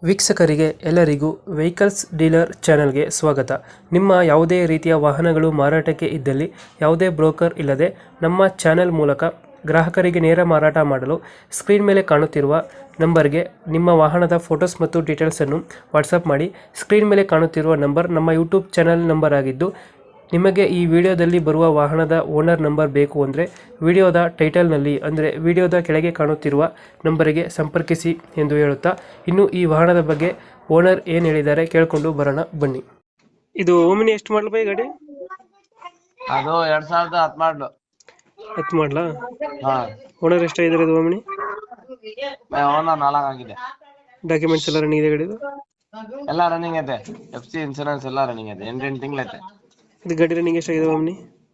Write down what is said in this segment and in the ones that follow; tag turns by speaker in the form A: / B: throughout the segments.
A: ವೀಕ್ಷಕರಿಗೆ ಎಲ್ಲರಿಗೂ vehicles dealer ಚಾನೆಲ್ಗೆ ಸ್ವಾಗತ. ನಿಮ್ಮ ಯಾವುದೇ ರೀತಿಯ ವಾಹನಗಳು ಮಾರಾಟಕ್ಕೆ ಇದ್ದಲ್ಲಿ ಯಾವುದೇ ಬ್ರೋಕರ್ ಇಲ್ಲದೆ ನಮ್ಮ ಚಾನೆಲ್ ಮೂಲಕ ಗ್ರಾಹಕರಿಗೆ ನೇರ ಮಾರಾಟ ಮಾಡಲು ಸ್ಕ್ರೀನ್ ಮೇಲೆ ಕಾಣುತ್ತಿರುವ ನಂಬರ್ಗೆ ನಿಮ್ಮ ವಾಹನದ ಫೋಟೋಸ್ ಮತ್ತು ಡೀಟೇಲ್ಸನ್ನು ವಾಟ್ಸಪ್ ಮಾಡಿ. ಸ್ಕ್ರೀನ್ ಮೇಲೆ ಕಾಣುತ್ತಿರುವ ನಂಬರ್ ನಮ್ಮ ಯೂಟ್ಯೂಬ್ ಚಾನೆಲ್ ನಂಬರ್ ಆಗಿದ್ದು, ನಿಮಗೆ ಈ ವಿಡಿಯೋದಲ್ಲಿ ಬರುವ ವಾಹನದ ಓನರ್ ನಂಬರ್ ಬೇಕು ಅಂದರೆ ವಿಡಿಯೋದ ಟೈಟಲ್ನಲ್ಲಿ ಅಂದರೆ ವಿಡಿಯೋದ ಕೆಳಗೆ ಕಾಣುತ್ತಿರುವ ನಂಬರಿಗೆ ಸಂಪರ್ಕಿಸಿ ಎಂದು ಹೇಳುತ್ತಾ, ಇನ್ನು ಈ ವಾಹನದ ಬಗ್ಗೆ ಓನರ್ ಏನು ಹೇಳಿದ್ದಾರೆ ಕೇಳಿಕೊಂಡು ಬರೋಣ ಬನ್ನಿ. ಇದು ಓಮಿನಿ ಎಷ್ಟು ಮಾಡಲು ಬೈ ಗಾಡಿ?
B: ಅದು 2010 ಮಾಡ್ಲು.
A: 10 ಮಾಡಲಾ?
B: ಹಾ,
A: ಓನರ್ ಎಷ್ಟಾಗಿದ್ದಾರೆ ಇದು ಓಮಿನಿ?
B: ಓನರ್ 4 ಆಗಿದೆ.
A: ಡಾಕ್ಯುಮೆಂಟ್ಸ್ ಎಲ್ಲ ರನ್ನಿಂಗ್ ಇದೆ ಗಾಡಿದು?
B: ಎಲ್ಲ ರನ್ನಿಂಗ್ ಐತೆ. FC ಇನ್ಸೂರೆನ್ಸ್ ಎಲ್ಲ ರನ್ನಿಂಗ್ ಐತೆ. 8 ತಿಂಗಳು ಐತೆ.
A: ಇದು ಗಾಡಿ ರನ್ನಿಂಗ್ ಎಷ್ಟಾಗಿದೆ ಓಮಿನಿ?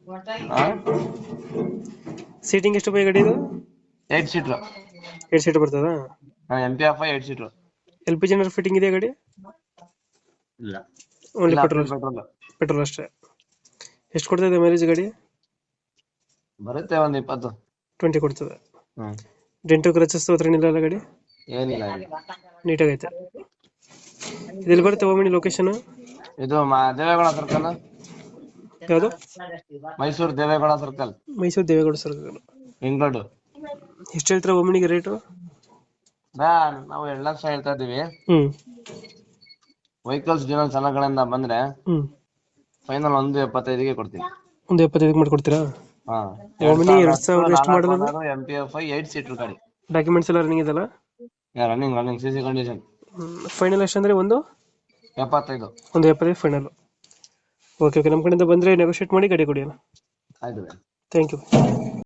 A: ಸೀಟಿಂಗ್ ಎಷ್ಟು ಬೈ ಗಾಡಿ ಇದು?
B: 8 ಸೀಟ್ರು.
A: 8 ಸೀಟ್ ಬರ್ತದಾ?
B: MPF 8 seater.
A: LPG ಏನಾದ್ರು ಫಿಟ್ಟಿಂಗ್ ಇದೆ ಗಾಡಿ?
B: ಇಲ್ಲ,
A: ಓನ್ಲಿ
B: ಇಲ್ಲ,
A: ಪೆಟ್ರೋಲ್
B: ಪೆಟ್ರೋಲ್
A: ಪೆಟ್ರೋಲ್ ಅಷ್ಟೇ. ಎಷ್ಟು ಕೊಡ್ತದೆ ಮೈಲೇಜ್ ಗಾಡಿ?
B: ಬರುತ್ತೆ, ಒಂದು 20.
A: 20 ಕೊಡ್ತದೆ. ಡೆಂಟು ಕ್ರಚಸ್ ಹತ್ರ ಏನಿಲ್ಲ ಗಾಡಿ?
B: ಏನಿಲ್ಲ.
A: ನೀಟಾಗೈತೆ. ಇದೆಲ್ಲಿ ಬರುತ್ತೆ ಓಮಿನಿ ಲೊಕೇಶನ್?
B: ಇದು ದೇವೇಗೌಡ ಸರ್ಕಲ್.
A: ಯಾವುದು?
B: Mysuru Devegowda circle,
A: Mysuru Devegowda circle,
B: Bengaluru.
A: ಎಷ್ಟು ಹೇಳ್ತೀರಾ ಓಮಿನಿಗೆ ರೇಟು?
B: ನಾವು 2 ಲಕ್ಷ ಹೇಳ್ತಾ ಇದೀವಿ. ವೆಹಿಕಲ್ಸ್ ಡೀಲರ್ ಚಾನಲ್ಗಳಿಂದ ಬಂದ್ರೆ ಫೈನಲ್ 1.75ಗೆ ಕೊಡ್ತೀನಿ.
A: 1.75 ಮಾಡ್ಕೊಡ್ತೀರಾ? ಓಮಿನಿ 2000 ಎಷ್ಟು ಮಾಡಲ್ಲ?
B: MPF 8 ಸೀಟ್ರು ಗಾಡಿ.
A: ಡಾಕ್ಯುಮೆಂಟ್ಸ್ ಎಲ್ಲ ರನ್ನಿಂಗ್ ಇದಲ್ಲ?
B: Running CC condition.
A: ಫೈನಲ್ ಎಷ್ಟು ಅಂದ್ರೆ
B: 75.
A: 1.75 ಫೈನಲ್. ಓಕೆ, ನಮ್ಮ ಕಡೆಯಿಂದ ಬಂದರೆ ನೆಗೋಷಿಯೇಟ್ ಮಾಡಿ ಗಾಡಿ ಕೊಡಿ.
B: ಆಯ್ತು.
A: Thank you.